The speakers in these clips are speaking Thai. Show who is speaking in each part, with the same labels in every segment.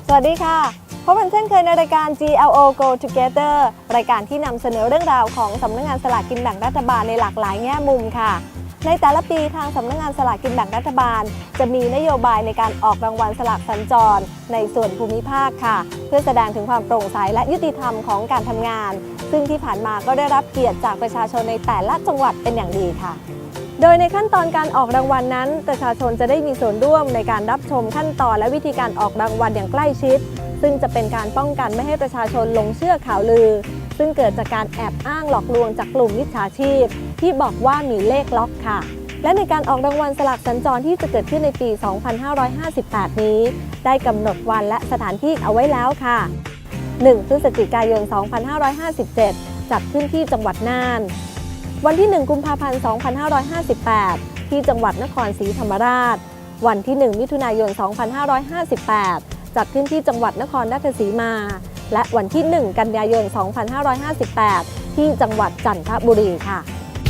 Speaker 1: สวัสดีค่ะพบกันเช่นเคยในรายการ GLO Go Together รายการที่นำเสนอเรื่องราวของสำนักงานสลากกินแบ่งรัฐบาลในหลากหลายแง่มุมค่ะในแต่ละปีทางสำนักงานสลากกินแบ่งรัฐบาลจะมีนโยบายในการออกรางวัลสลากสัญจรในส่วนภูมิภาคค่ะเพื่อแสดงถึงความโปร่งใสและยุติธรรมของการทำงานซึ่งที่ผ่านมาก็ได้รับเกียรติจากประชาชนในแต่ละจังหวัดเป็นอย่างดีค่ะโดยในขั้นตอนการออกรางวัลนั้นประชาชนจะได้มีส่วนร่วมในการรับชมขั้นตอนและวิธีการออกรางวัลอย่างใกล้ชิดซึ่งจะเป็นการป้องกันไม่ให้ประชาชนหลงเชื่อข่าวลือซึ่งเกิดจากการแอบอ้างหลอกลวงจากกลุ่มมิจฉาชีพที่บอกว่ามีเลขล็อกค่ะและในการออกรางวัลสลากสัญจรที่จะเกิดขึ้นในปี 2558 นี้ได้กำหนดวันและสถานที่เอาไว้แล้วค่ะ 1 พฤศจิกายน 2557 จัดขึ้นที่จังหวัดน่านวันที่ 1 กุมภาพันธ์ 2558 ที่จังหวัดนครศรีธรรมราชวันที่ 1 มิถุนายน 2558 จัดขึ้นที่จังหวัดนครราชสีมาและวันที่ 1 กันยายน 2558 ที่จังหวัดจันทบุรีค่ะ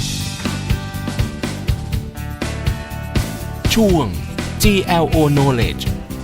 Speaker 2: ช่วง GLO Knowledge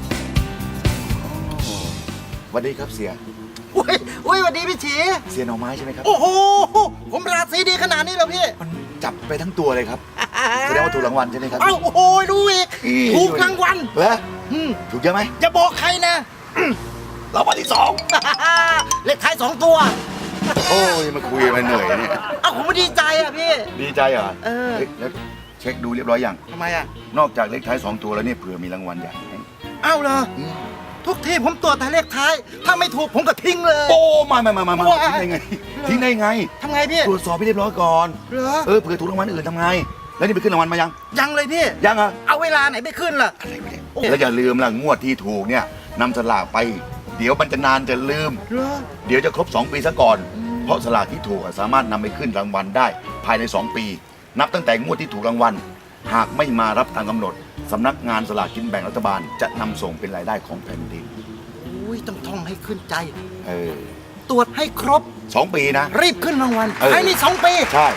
Speaker 3: สวัสดีครับเสีย
Speaker 4: อุ้ยสวัสดีพี่ฉี
Speaker 3: เสียหน่อไม้ใช่ไหมครับ
Speaker 4: โอ้โหผมราศีดีขนาดนี้แล้วพี่
Speaker 3: มันจับไปทั้งตัวเลยครับแสดงว่าถูกรางวัลใช่ไหมครับ
Speaker 4: เอ้าโอ้โหรู้อีกถูกรางวัล
Speaker 3: เหรอถูกเยอะไหม
Speaker 4: อย่าบอกใครนะ
Speaker 3: รางวัลที่2
Speaker 4: เลขท้าย2 ตัว
Speaker 3: โอ้ยมาคุยมาเหนื่อยเนี่ย
Speaker 4: เอ้าผมไม่ดีใจอ่ะพี่
Speaker 3: ดีใจเหรอแล้วเช็คดูเรียบร้อยยัง
Speaker 4: ทำไมอ่ะ
Speaker 3: นอกจากเลขท้าย2 ตัวแล้วเนี่ยเผื่อมีรางวัลใหญ่ให้
Speaker 4: เอ้าเหรอทุกทีผมตรวจแต่เลขท้ายถ้าไม่ถูกผมก็ทิ้งเลย
Speaker 3: โอ้มาทิ้งได้ไง
Speaker 4: ทำไงพี่
Speaker 3: ตรวจสอบให้เรียบร้อยก่อน
Speaker 4: เหรอ
Speaker 3: เผื่อถูกรางวัลอื่นทำไงแล้วนี่ไปขึ้นรางวัลมา
Speaker 4: ยังเลยพี่
Speaker 3: ยังเหรอ
Speaker 4: เอาเวลาไหนไปขึ้นล่ะ
Speaker 3: แล้วอย่าลืมล่ะงวดที่ถูกเนี่ยนำสลากไปเดี๋ยวมันจะนานจะลืมเดี๋ยวจะครบ2 ปีซะก่อนเพราะสลากที่ถูกสามารถนำไปขึ้นรางวัลได้ภายใน2 ปีนับตั้งแต่งวดที่ถูกรางวัลหากไม่มารับตามกำหนดสำนักงานสลากกินแบ่งรัฐบาลจะนำส่งเป็นรายได้ของแผ่นดิน
Speaker 4: ต้องท่องให้ขึ้นใจ
Speaker 3: ตร
Speaker 4: วจให้ครบ
Speaker 3: 2 ปีนะ
Speaker 4: รีบขึ้นรางวัลภายใน2 ปี
Speaker 3: ใช่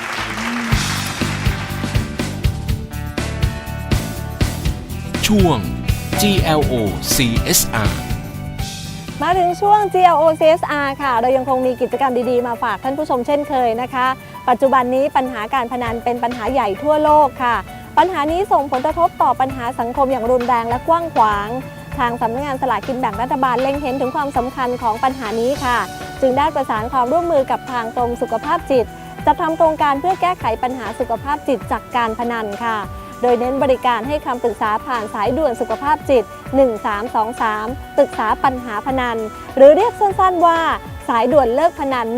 Speaker 2: ช่วง GLO CSR
Speaker 1: มาถึงช่วง GLO CSR ค่ะเรายังคงมีกิจกรรมดีๆมาฝากท่านผู้ชมเช่นเคยนะคะปัจจุบันนี้ปัญหาการพนันเป็นปัญหาใหญ่ทั่วโลกค่ะปัญหานี้ส่งผลกระทบต่อปัญหาสังคมอย่างรุนแรงและกว้างขวางทางสำนักงานสลากกินแบ่งรัฐบาลเล็งเห็นถึงความสำคัญของปัญหานี้ค่ะจึงได้ประสานความร่วมมือกับทางกรมสุขภาพจิตจัดทำโครงการเพื่อแก้ไขปัญหาสุขภาพจิตจากการพนันค่ะโดยเน้นบริการให้คำปรึกษาผ่านสายด่วนสุขภาพจิต1323ปรึกษาปัญหาพนันหรือเรียกสั้นๆว่าสายด่วนเลิกพนัน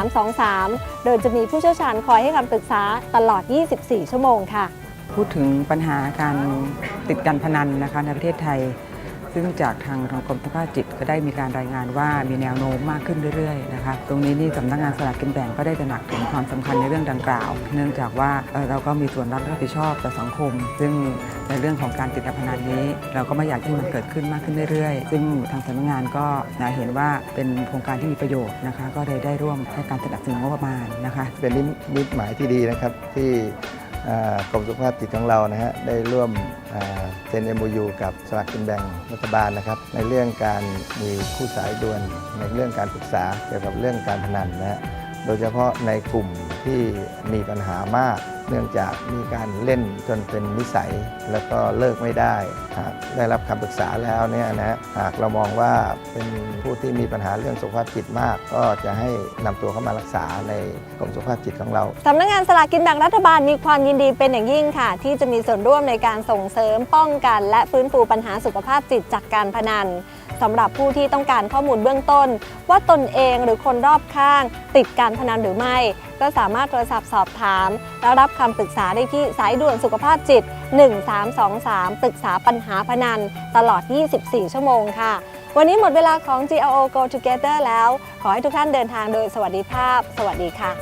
Speaker 1: 1323โดยจะมีผู้เชี่ยวชาญคอยให้คำปรึกษาตลอด24 ชั่วโมงค่ะ
Speaker 5: พูดถึงปัญหาการติดการพนันนะคะในประเทศไทยซึ่งจากทางกรมสุขภาพจิตก็ได้มีการรายงานว่ามีแนวโน้มมากขึ้นเรื่อยๆนะคะตรงนี้นี่สำนักงานสลากกินแบ่งก็ได้ตระหนักถึงความสำคัญในเรื่องดังกล่าวเนื่องจากว่าเราก็มีส่วนรับผิดชอบต่อสังคมซึ่งในเรื่องของการติดการพนันนี้เราก็ไม่อยากให้มันเกิดขึ้นมากขึ้นเรื่อยๆซึ่งทางสำนักงานก็เห็นว่าเป็นโครงการที่มีประโยชน์นะคะก็ได้ร่วมให้การสนับสนุนงบประมาณนะคะ
Speaker 6: เป็นนิมิตหมายที่ดีนะครับที่กรมสุขภาพจิตของเรานะฮะได้ร่วมเซ็น MOU กับสลากกินแบ่งรัฐบาลนะครับในเรื่องการมีคู่สายด่วนในเรื่องการปรึกษาเกี่ยวกับเรื่องการพนันนะฮะโดยเฉพาะในกลุ่มที่มีปัญหามากเนื่องจากมีการเล่นจนเป็นนิสัยแล้วก็เลิกไม่ได้หากได้รับคำปรึกษาแล้วเนี่ยนะฮะหากเรามองว่าเป็นผู้ที่มีปัญหาเรื่องสุขภาพจิตมากก็จะให้นำตัวเข้ามารักษาในกรมสุขภาพจิตของเรา
Speaker 1: สำนักงานสลากกินแบ่งรัฐบาลมีความยินดีเป็นอย่างยิ่งค่ะที่จะมีส่วนร่วมในการส่งเสริมป้องกันและฟื้นฟูปัญหาสุขภาพจิตจากการพนันสำหรับผู้ที่ต้องการข้อมูลเบื้องต้นว่าตนเองหรือคนรอบข้างติดการพนันหรือไม่ก็สามารถโทรศัพท์สอบถามและรับคำปรึกษาได้ที่สายด่วนสุขภาพจิต1323ปรึกษาปัญหาพนันตลอด24 ชั่วโมงค่ะวันนี้หมดเวลาของ GLO Go Together แล้วขอให้ทุกท่านเดินทางโดยสวัสดิภาพสวัสดีค่ะ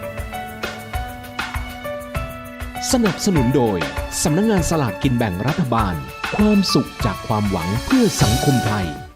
Speaker 2: สนับสนุนโดยสำนักงานสลากกินแบ่งรัฐบาลความสุขจากความหวังเพื่อสังคมไทย